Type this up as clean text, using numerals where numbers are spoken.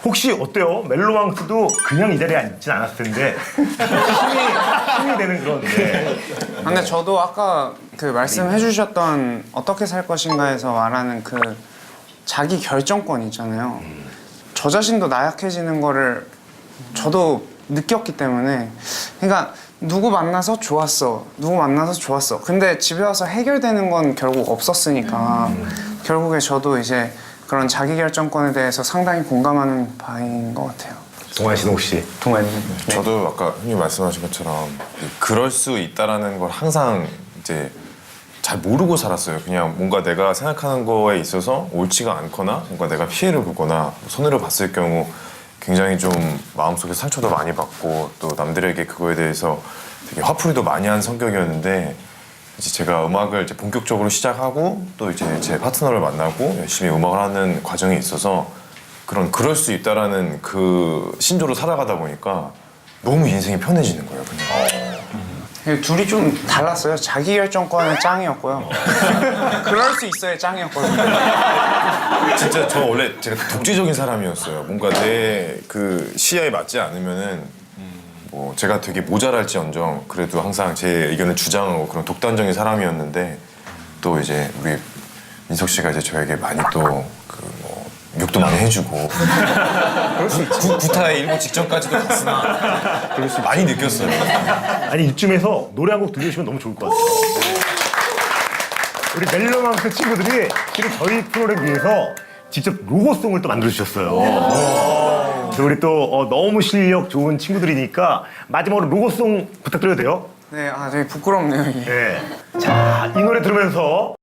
혹시 어때요? 멜로망스도 그냥 이 자리에 앉진 않았을 텐데 힘이 되는 그런. 네. 근데 저도 아까 그 말씀해주셨던 어떻게 살 것인가에서 말하는 그 자기 결정권 있잖아요. 저 자신도 나약해지는 거를 저도 느꼈기 때문에, 그러니까 누구 만나서 좋았어, 누구 만나서 좋았어. 근데 집에 와서 해결되는 건 결국 없었으니까 결국에 저도 이제 그런 자기 결정권에 대해서 상당히 공감하는 바인 것 같아요. 동환 씨는 혹시? 동아님. 저도 아까 형님 말씀하신 것처럼 그럴 수 있다라는 걸 항상 이제 잘 모르고 살았어요. 그냥 뭔가 내가 생각하는 거에 있어서 옳지가 않거나 뭔가 내가 피해를 보거나 손해를 봤을 경우 굉장히 좀 마음속에 상처도 많이 받고 또 남들에게 그거에 대해서 되게 화풀이도 많이 한 성격이었는데, 이제 제가 음악을 이제 본격적으로 시작하고 또 이제 제 파트너를 만나고 열심히 음악을 하는 과정에 있어서 그럴 수 있다라는 그 신조로 살아가다 보니까 너무 인생이 편해지는 거예요, 그냥. 둘이 좀 달랐어요. 자기 결정권은 짱이었고요. 그럴 수 있어야 짱이었거든요. 진짜 저 원래 제가 독재적인 사람이었어요. 뭔가 내 그 시야에 맞지 않으면은 뭐 제가 되게 모자랄지언정 그래도 항상 제 의견을 주장하고 그런 독단적인 사람이었는데, 또 이제 우리 민석 씨가 이제 저에게 많이 또 그 뭐 욕도 많이 해주고 구타에 일보 직전까지도 갔으나 많이 느꼈어요. 아니 이쯤에서 노래 한 곡 들려주시면 너무 좋을 것 같아요. 우리 멜로망스 친구들이 실은 저희 프로그램 위해서 직접 로고송을 또 만들어주셨어요. 우리 또 너무 실력 좋은 친구들이니까 마지막으로 로고송 부탁드려도 돼요? 네, 되게 부끄럽네요, 이게. 네. 자, 이 노래 들으면서